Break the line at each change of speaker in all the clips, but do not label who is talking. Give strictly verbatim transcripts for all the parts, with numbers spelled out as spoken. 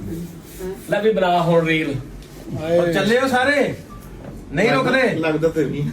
ਲੈ ਵੀ ਬਣਾ ਹੁਣ ਰੀਲ
ਚੱਲੇ ਹੋ ਸਾਰੇ ਨਹੀਂ ਰੁਕਦੇ
ਲੱਗਦਾ ਤੇ ਨਹੀਂ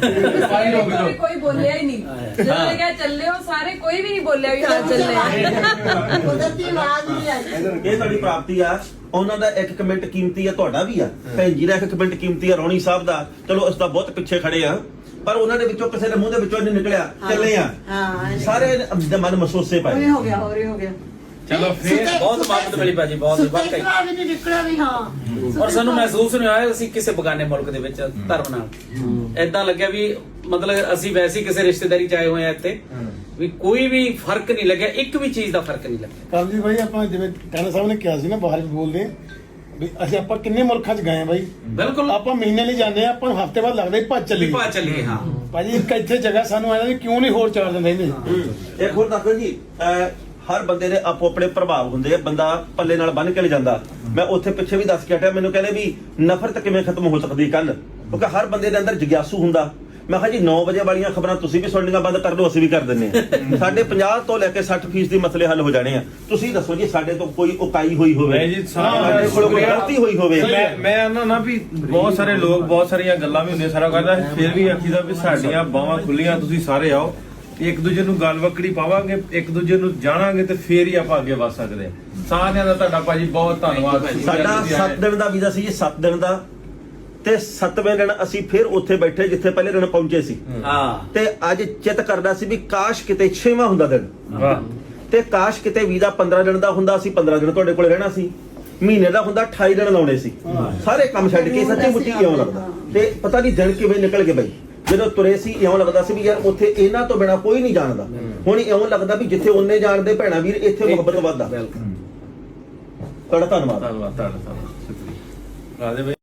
ਕੋਈ ਕੋਈ ਬੋਲਿਆ ਹੀ ਨਹੀਂ ਜਦੋਂ ਮੈਂ ਕਿਹਾ ਚੱਲੇ ਹੋ ਸਾਰੇ ਕੋਈ ਵੀ ਨਹੀਂ ਬੋਲਿਆ ਵੀ ਹਾਂ ਚੱਲੇ
ਕੁਦਰਤੀ ਆਵਾਜ਼ ਨਹੀਂ ਆਈ।
ਇਹ ਸਾਡੀ ਪ੍ਰਾਪਤੀ ਆ ਉਹਨਾਂ ਦਾ ਇੱਕ ਕਮੈਂਟ ਕੀਮਤੀ ਆ ਤੁਹਾਡਾ ਵੀ ਆ ਭੈਣ ਜੀ ਦਾ ਇੱਕ ਕਮੈਂਟ ਕੀਮਤੀ ਆ ਰੌਣੀ ਸਾਹਿਬ ਦਾ ਚਲੋ ਇਸ ਦਾ ਬਹੁਤ ਪਿੱਛੇ ਖੜੇ ਆ ਪਰ ਉਹਨਾਂ ਦੇ ਵਿੱਚੋਂ ਕਿਸੇ ਦੇ ਮੂੰਹ ਦੇ ਵਿੱਚੋਂ ਨਹੀਂ ਨਿਕਲਿਆ ਚੱਲੇ ਆ
ਹਾਂ
ਸਾਰੇ ਦੇ ਮਨ ਮਸੋਸੇ ਪਏ
ਹੋ ਗਿਆ ਹੋ ਰਿਹਾ ਹੋ ਗਿਆ
ਚਲੋ ਫੇਰ ਬਹੁਤ ਮਦਦ ਮਿਲੀ ਭਾਜੀ ਬਹੁਤ ਵਾਕਈ
ਵੀ ਨਹੀਂ ਨਿਕਲਿਆ ਵੀ ਹਾਂ
ਔਰ ਸਾਨੂੰ ਮਹਿਸੂਸ ਨਹੀਂ ਹੋਇਆ ਅਸੀਂ ਕਿਸੇ ਬਗਾਨੇ ਮੁਲਕ ਦੇ ਵਿੱਚ ਧਰਮ ਨਾਲ ਏਦਾਂ ਲੱਗਿਆ ਵੀ ਮਤਲਬ ਅਸੀਂ ਵੈਸੇ ਕਿਸੇ ਰਿਸ਼ਤੇਦਾਰੀ ਚ ਆਏ ਹੋਏ ਆ ਇੱਥੇ ਵੀ ਕੋਈ ਵੀ ਫਰਕ ਨਹੀਂ ਲੱਗਿਆ ਇੱਕ ਵੀ ਚੀਜ਼ ਦਾ ਫਰਕ ਨਹੀਂ ਲੱਗਿਆ
ਕਰਮਜੀਤ ਭਾਈ ਆਪਾਂ ਜਿਵੇਂ ਟਾਣਾ ਸਾਹਿਬ ਨੇ ਕਿਹਾ ਸੀ ਨਾ ਬਾਹਰ ਵੀ ਬੋਲਦੇ ਵੀ ਅਸੀਂ ਆਪਾਂ ਕਿੰਨੇ ਮੁਲਕਾਂ 'ਚ ਗਏ ਆ ਬਾਈ
ਬਿਲਕੁਲ
ਆਪਾਂ ਮਹੀਨੇ ਲਈ ਜਾਂਦੇ ਆ ਆਪਾਂ ਹਫਤੇ ਬਾਅਦ ਲੱਗਦਾ ਹੀ ਭੱਜ ਚੱਲੀਏ
ਪਾ ਚੱਲੀਏ ਹਾਂ
ਭਾਜੀ ਇੱਕ ਇੱਥੇ ਜਗ੍ਹਾ ਸਾਨੂੰ ਆਇਆ ਵੀ ਕਿਉਂ ਨਹੀਂ ਹੋਰ ਚਾਰ ਦਿਨ ਰਹਿੰਦੇ
ਇੱਕ ਹੋਰ ਦੱਸੋ ਜੀ ਅਹ ਹਰ ਬੰਦੇ ਦੇ ਆਪੋ ਆਪਣੇ ਪ੍ਰਭਾਵ ਹੁੰਦੇ ਆ ਬੰਦਾ ਪੱਲੇ ਨਾਲ ਬੰਨ ਕੇ ਲੈ ਜਾਂਦਾ ਮੈਂ ਉੱਥੇ ਪਿੱਛੇ ਵੀ ਦੱਸ ਕੇ ਹਟਿਆ ਮੈਨੂੰ ਕਹਿੰਦੇ ਵੀ ਨਫ਼ਰਤ ਕਿਵੇਂ ਖਤਮ ਹੋ ਸਕਦੀ ਕੱਲ ਕਿਉਂਕਿ ਹਰ ਬੰਦੇ ਦੇ ਅੰਦਰ ਜਿਗਿਆਸੂ ਹੁੰਦਾ ਮੈਂ ਕਿਹਾ ਜੀ ਨੌ ਵਜੇ ਵਾਲੀਆਂ ਖਬਰਾਂ ਤੁਸੀਂ ਵੀ ਸੁਣਨੀਆਂ ਬੰਦ ਕਰ ਦਿਓ ਅਸੀਂ ਵੀ ਕਰ ਦਿੰਨੇ ਆ ਸਾਡੇ ਪੰਜਾਹ ਤੋਂ ਲੈ ਕੇ ਸੱਠ ਫੀਸਦੀ ਮਸਲੇ ਹੱਲ ਹੋ ਜਾਣੇ ਆ ਤੁਸੀਂ ਦੱਸੋ ਜੀ ਸਾਡੇ ਤੋਂ ਕੋਈ ਉਕਾਈ ਹੋਈ ਹੋਵੇ
ਜੀ
ਸਾਡੇ ਕੋਲ ਕੋਈ ਗਲਤੀ ਹੋਈ ਹੋਵੇ
ਮੈਂ ਮੈਂ ਆਨਾ ਨਾ ਵੀ ਬਹੁਤ ਸਾਰੇ ਲੋਕ ਬਹੁਤ ਸਾਰੀਆਂ ਗੱਲਾਂ ਵੀ ਹੁੰਦੀਆਂ ਸਾਰਾ ਕਰਦਾ ਫਿਰ ਵੀ ਆਖੀਦਾ ਵੀ ਸਾਡੀਆਂ ਬਾਹਾਂ ਖੁੱਲੀਆਂ ਤੁਸੀਂ ਸਾਰੇ ਆਓ ਇੱਕ ਦੂਜੇ ਨੂੰ ਗੱਲ ਵਕੜੀ ਪਾਵਾਂਗੇ ਇੱਕ ਦੂਜੇ ਨੂੰ ਜਾਣਾਂਗੇ ਤੇ ਫੇਰ ਹੀ ਆਪਾਂ ਅੱਗੇ ਵਧ ਸਕਦੇ ਹਾਂ ਸਾਰਿਆਂ ਦਾ ਤੁਹਾਡਾ ਭਾਜੀ ਬਹੁਤ ਧੰਨਵਾਦ
ਸਾਡਾ ਸੱਤ ਦਿਨ ਦਾ ਵੀਜ਼ਾ ਸੀ ਜੀ ਸੱਤ ਦਿਨ ਦਾ ਤੇ ਸੱਤਵੇਂ ਦਿਨ ਅਸੀਂ ਫਿਰ ਉੱਥੇ ਬੈਠੇ ਜਿੱਥੇ ਪਹਿਲੇ ਦਿਨ ਪਹੁੰਚੇ ਸੀ
ਹਾਂ
ਤੇ ਅੱਜ ਚਿੱਤ ਕਰਦਾ ਸੀ ਵੀ ਕਾਸ਼ ਕਿਤੇ ਛੇਵਾਂ ਹੁੰਦਾ ਦਿਨ
ਵਾਹ
ਤੇ ਕਾਸ਼ ਕਿਤੇ ਵੀਜ਼ਾ ਪੰਦਰਾਂ ਦਿਨ ਦਾ ਹੁੰਦਾ ਸੀ ਪੰਦਰਾਂ ਦਿਨ ਤੁਹਾਡੇ ਕੋਲ ਰਹਿਣਾ ਸੀ ਮਹੀਨੇ ਦਾ ਹੁੰਦਾ ਅਠਾਈ ਦਿਨ ਲਾਉਣੇ ਸੀ ਸਾਰੇ ਕੰਮ ਛੱਡ ਕੇ ਸੱਚੀ ਮੁੱਚੀ ਇਉਂ ਲੱਗਦਾ ਤੇ ਪਤਾ ਨਹੀਂ ਦਿਨ ਕਿਵੇਂ ਨਿਕਲ ਗਏ ਬਈ ਜਦੋਂ ਤੁਰੇ ਸੀ ਇਉਂ ਲੱਗਦਾ ਸੀ ਵੀ ਯਾਰ ਉੱਥੇ ਇਹਨਾਂ ਤੋਂ ਬਿਨਾ ਕੋਈ ਨਹੀਂ ਜਾਣਦਾ ਹੁਣ ਇਉਂ ਲੱਗਦਾ ਵੀ ਜਿੱਥੇ ਉਹਨੇ ਜਾਣਦੇ ਭੈਣਾ ਵੀਰ ਇੱਥੇ ਮੁਹੱਬਤ ਵੱਧਦਾ ਤੁਹਾਡਾ ਧੰਨਵਾਦ
ਧੰਨਵਾਦ ਤੁਹਾਡਾ ਸ਼ੁਕਰੀਆ ਰਾਜੇ